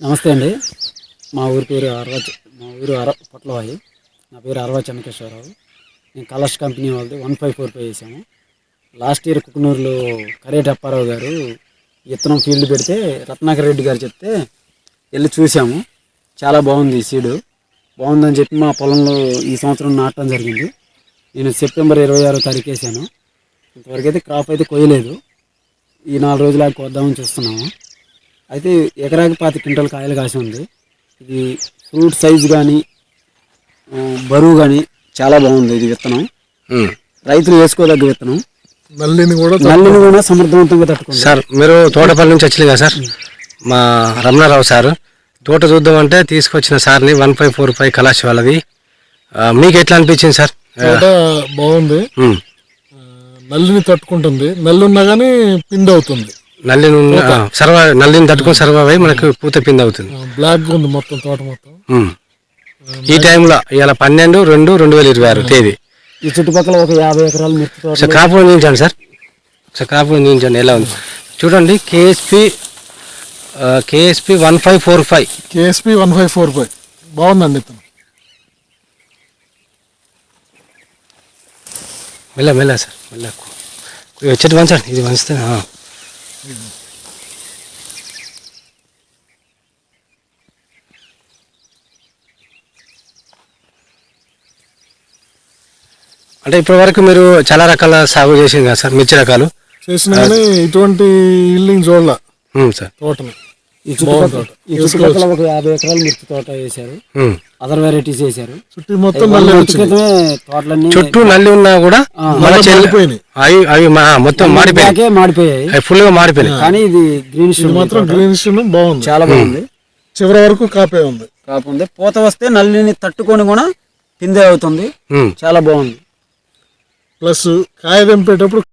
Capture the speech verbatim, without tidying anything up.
నమస్తే అండి. మా ఊరి పేరు అరవ మా ఊరు అర పొట్లవాయి. నా పేరు అరవ చెన్నకేశ్వరరావు. నేను కలర్స్ కంపెనీ వాళ్ళది వన్ ఫైవ్ ఫోర్ ఫైవ్ వేసాము. లాస్ట్ ఇయర్ కుకునూరులో కరేటి అప్పారావు గారు విత్తనం ఫీల్డ్ పెడితే రత్నాకర్ రెడ్డి గారు చెప్తే వెళ్ళి చూసాము. చాలా బాగుంది, ఈ సీడు బాగుందని చెప్పి మా పొలంలో ఈ సంవత్సరం నాటడం జరిగింది. నేను సెప్టెంబర్ ఇరవై ఆరో తారీఖు వేసాను. ఇంతవరకు అయితే క్రాప్ అయితే కొయ్యలేదు. ఈ నాలుగు రోజులు ఆగి కొద్దామని చూస్తున్నాము. అయితే ఎకరాకి పాతి క్వింటల్ కాయలు కాసి ఉంది. ఇది ఫ్రూట్ సైజు కానీ బరువు కానీ చాలా బాగుంది. ఇది విత్తనం రైతులు వేసుకోదగ్గ విత్తనం. నల్లిని కూడా నల్లిని కూడా సమర్థవంతంగా తట్టుకుంది. సార్ మీరు తోటపల్లి నుంచి వచ్చి కదా సార్, మా రమణారావు సార్ తోట చూద్దామంటే తీసుకొచ్చిన సార్ని వన్ ఫైవ్ ఫోర్ ఫైవ్ కళాశాల వాళ్ళది. మీకు ఎట్లా అనిపించింది సార్? తోట బాగుంది, నల్లిని తట్టుకుంటుంది. నల్లి ఉన్నా కానీ పిండి అవుతుంది. నల్లిని సర్వ నల్లిని తట్టుకుని సర్వైవ్ అయ్యి మనకు పూత పిండి అవుతుంది. బ్లాక్ ఉంది మొత్తం తోట మొత్తం. ఈ టైంలో ఇవాళ పన్నెండు రెండు రెండు వేల ఇరవై ఆరు తేదీ ఈ చుట్టుపక్కల ఒక యాభై ఎకరాలు మిర్చి తోట. సార్ కాపులు నిలిచాను సార్, సార్ కాపులు నిలిచాను. ఎలా ఉంది చూడండి. KSP KSP one five four five KSP one five four five బాగుందండి. ఇతను మెల్ల మెల్ల సార్, మెల్ల వచ్చేటి వంచండి. ఇది వంచితే అంటే ఇప్పటి వరకు మీరు చాలా రకాల సాగు చేసింది కదా సార్, మిర్చి రకాలు చేసిన కానీ ఇటువంటి ఇల్లింగ్ చూడాల సార్ తోటని. ఈ చుట్టుపక్కల ఈ చుట్టుపక్కల ఒక యాభై ఎకరాలు మిర్చి తోట వేశారు. అదర్ వెరైటీస్ వేశారు. చుట్టూ మొత్తం తోటలన్నీ చుట్టూ నల్లి ఉన్నా కూడా అవి అవి మొత్తం మాడిపోయాయి మాడిపోయాయి ఫుల్ గా మాడిపోయాయి. కానీ ఇది గ్రీనిష్ మాత్రం గ్రీనిష్ బాగుంది, చాలా బాగుంది. చివరి వరకు కాపే ఉంది. కాపు ఉంది. పూత వస్తే నల్లిని తట్టుకొని కూడా పిందే అవుతుంది. చాలా బాగుంది. ప్లస్ కాయ తెంపేటప్పుడు